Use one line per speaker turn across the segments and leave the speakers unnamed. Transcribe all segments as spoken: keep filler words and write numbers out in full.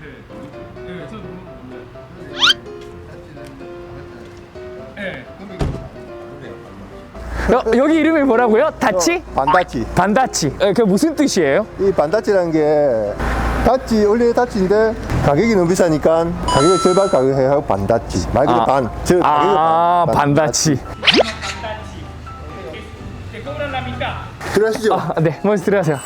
네, 저도 몰라요. 네.
어, 여기 이름이 뭐라고요? 다치?
반다치.
반다치. 네, 그게 무슨 뜻이에요?
이 반다치라는 게 다치 원래 다치인데 가격이 너무 비싸니까 가격을 절반 가격에 하고 반다치. 말 그대로
아.
반. 저
아,
가격을 반.
반다치.
들어가시죠.
아, 네, 먼저 들어가세요.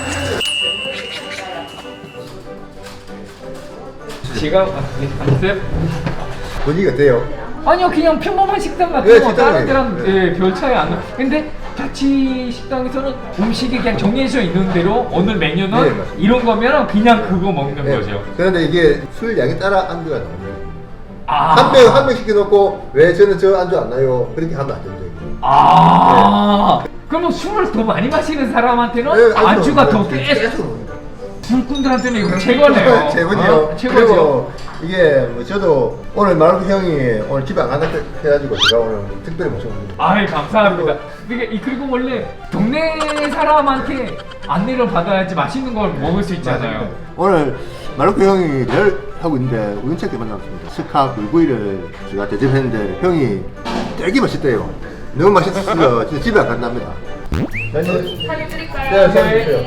지금 안녕하세요.
분위기가 어때요?
아니요, 그냥 평범한 식당 같은
네,
거
식당이에요.
다른 데랑 예, 별 차이 안 나. 근데 다치 식당에서는 음식이 그냥 정해져 있는 대로 오늘 메뉴는
네, 맞습니다.
이런 거면 그냥 그거 먹는
네.
거죠.
그런데 이게 술 양에 따라 안주가 나옵니다.
아,
한 명 한 명 시켜놓고 왜 저는 저 안주 안 나요? 그렇게 하면 안 된다.
아, 그러면 술을 더 많이 마시는 사람한테는
네,
안주가 더
네,
계속
계속 먹는 거예요.
술꾼들한테는 이거 최고네요.
최고죠.
어, 최고죠.
그리고 이게 뭐 저도 오늘 마르코 형이 오늘 집에 안 간다 해가지고 제가 오늘 특별히 모셔옵니다.
아이, 감사합니다. 이게 이- 그리고 원래 동네 사람한테 안내를 받아야지 맛있는 걸 먹을 수 있잖아요.
오늘 마르코 형이 늘 하고 있는데 우연찮게 만났습니다. 스카 불구이를 제가 대접했는데 형이 되게 맛있대요. 너무 맛있어서 진짜 집에 안 간답니다. 사진
사진 드릴까요?
네, 사진 주세요.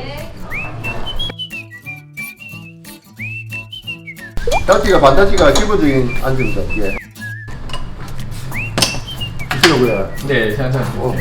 다치가 반다치가 기본적인 안주입니다. 이게. 드시라고요.
네, 감사합니다.
어.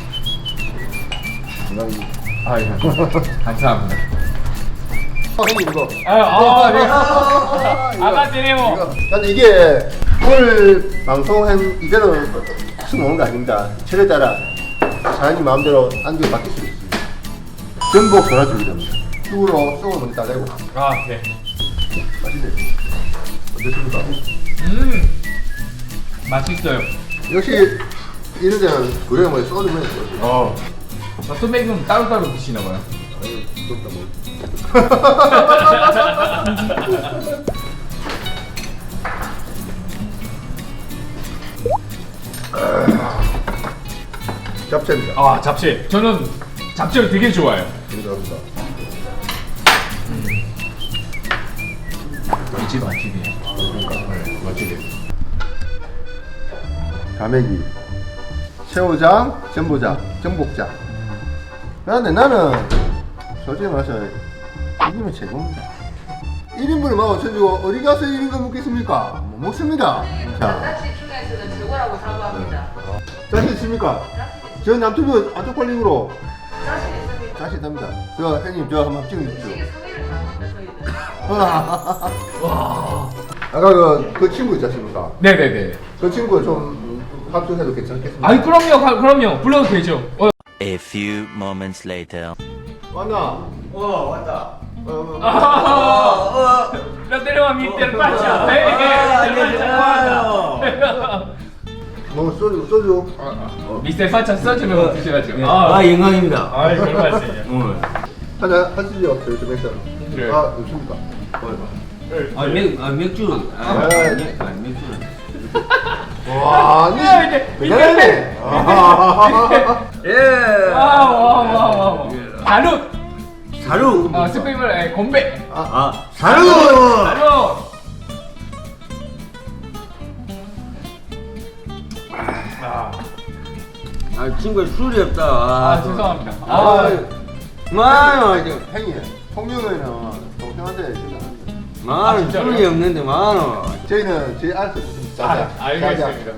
아이, 감사합니다.
어, 형님 이거.
아, 아, 네.
이거.
아가씨네요.
이거. 근데 이게 오늘 방송한 이대로 술 먹는 거 아닙니다. 철에 따라 사장님 마음대로 안주 바뀔 수 있습니다. 전복 전화줄입니다. 쑥으로 쑥을 먼저 따내고
아, 네.
맛있네요. 어떻습니까?
음, 맛있어요.
역시 이런 데는 구경에 뭐 소주 먹는 거.
어. 소맥은 따로따로 드시나 봐요.
아니, 부럽다 뭐. 잡채입니다.
아, 잡채. 저는 잡채를 되게 좋아해요.
감사합니다.
이 집 맛집이에요. 네, 맛집이에요.
가메기, 새우장, 전보장, 전복장. 그런데 나는 솔직히 말해서 이기면 최고입니다. 일 인분을 만 오천 주고 어디 가서 일 인분 먹겠습니까? 못 먹습니다. 자,
다치 중에서는 최고라고 사고합니다.
자신 있습니까? 저 남투브 안쪽팔림으로
자신 있습니다.
자신 있답니다. 저 형님 저 한번 찍어주십시오.
이게 성의를 다합니다 저희들.
와.
아까 그, 그 친구 있지 않습니까?
네네네.
그 친구 좀 합격해도 괜찮겠습니까?
아이, 그럼요, 가- 그럼요. 불러도 되죠. 어.
A few moments later.
왔나?
어 왔다.
어, 어, 어.
아, 나 내려와 밑에 빠져. 네,
뭐 소주 소주.
밑에 살짝 써주면 드셔야죠.
아 영광입니다.
아, 별 말씀이에요.
오늘
하나 하시죠. 저 좀 했잖아.
그래.
아, 좋습니까?
아, 맥, 아 맥주 아,
아,
맥, 아 맥주
와, 아니.
야, 이제
대단하네. 아,
예
와, 와, 와, 와. 가루.
사루
아, 스페인말 에, 건배.
아 사루
가루.
아 친구야 술이 없다.
아, 죄송합니다.
아,
아,
많아
형이 통영에는 동생한테 진짜 안 돼.
많아
아, 진짜로요?
술이 없는데 많아.
저희는 제 알수 있습니다.
아, 알겠습니다.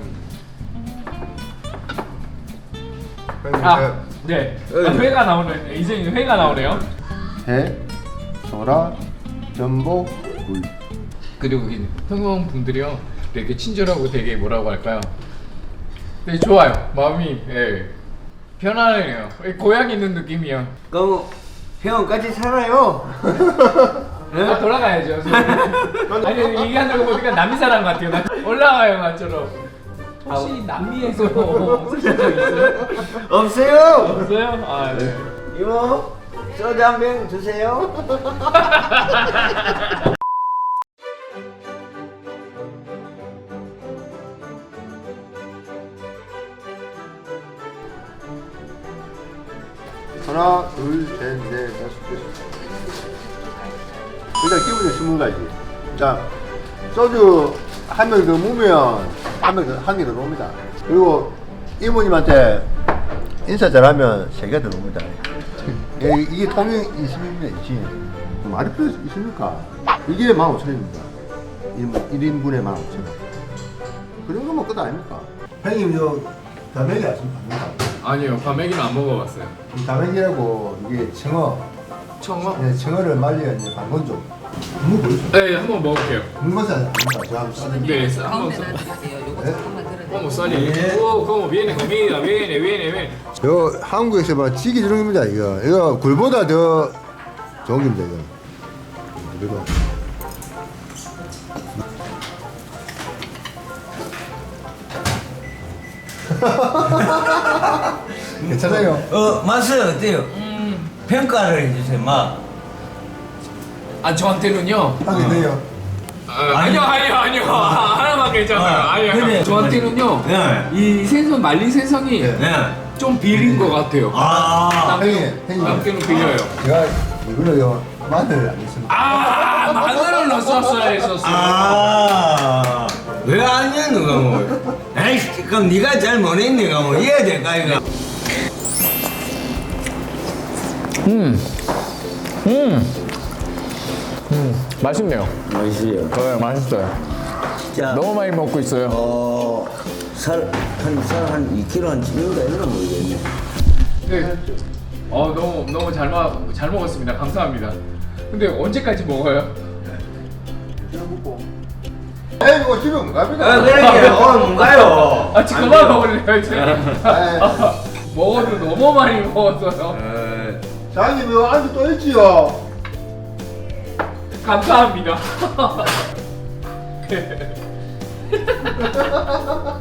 형님,
아, 네. 아, 회가 나오네. 이제 회가 나오네요.
해, 소라, 전복, 굴.
그리고 이 흥원 분들이요, 되게 친절하고 되게 뭐라고 할까요? 되게 좋아요. 마음이 예. 편안해요. 고향 있는 느낌이요.
그럼 형 같이 살아요.
아, 돌아가야죠. 아니, 얘기하는 거 보니까 남미 사람 같아요. 나 올라가요, 나처럼. 혹시 남미에서 쓰신 적 있어요?
없어요.
없어요? 아, 네.
이모 소주 한 병 주세요.
하나, 둘, 셋, 넷, 다섯, 여섯. 일단 기본적으로 스무 가지. 자, 소주 한 명 더 무면 한명한개 더 옵니다. 그리고 이모님한테 인사 잘하면 세 개 더 옵니다. 예, 이게 통영 이십입니다. 이십. 말이 필요 있습니까? 이게 만 오천 원입니다. 일 인분에 만 오천 원. 그 정도면 끝 아닙니까? 형님, 저 다맥이 아십니까?
아니요, 과메기는 안 먹어봤어요.
이 다맥이라고 이게 청어,
청어?
네, 청어를 말려 이제 반건조. 한번 보여주세요.
네, 한번 먹을게요.
국맛이 아닙니까? 저 한번 써드릴게요.
네, 한번
가운데
써.
놔드릴게요. 요거
네?
잠깐만 들어주세요.
Como sale? Oh, como viene comida, viene, viene, viene.
이거 한국에서 막 찌개 주는 겁니다. 이거 이거 굴보다 더 좋은 겁니다. 이거. 그리고 괜찮아요.
어, 맛은 어때요? 평가를 해주세요, 맛.
아, 저한테는요.
하게 돼요.
아, 아니요, 아니요, 아니요. 하나만 괜찮아요.
아,
아니요.
그래.
저한테는요.
네.
이 생선 말린 생선이
네.
네.
좀 비린 것 같아요.
아,
형님, 형님.
남편은 빌려요.
제가 이거를요 마늘 안 했습니다.
아, 마늘을 넣었어야 했었어요.
아, 왜 아니야, 누가 뭐. 에이, 그럼 네가 잘 못했네, 내가 뭐. 이해야 될까, 이거?
음, 음, 음, 맛있네요.
맛있어요.
네, 맛있어요.
자,
너무 많이 먹고 있어요.
어, 살, 한, 살 한 이 킬로그램 한 찌는가 이러나 모르겠네.
네. 어, 너무 너무 잘 먹, 잘 먹었습니다. 감사합니다. 근데 언제까지 먹어요?
에이 이거 집에 못 갑니다.
아, 그러게. 오늘 뭔가요?
아, 지금 그만 먹을래요 이제.
에이,
먹어도 너무 많이 먹었어요.
장님 이거 안주 또 있지요.
감사합니다.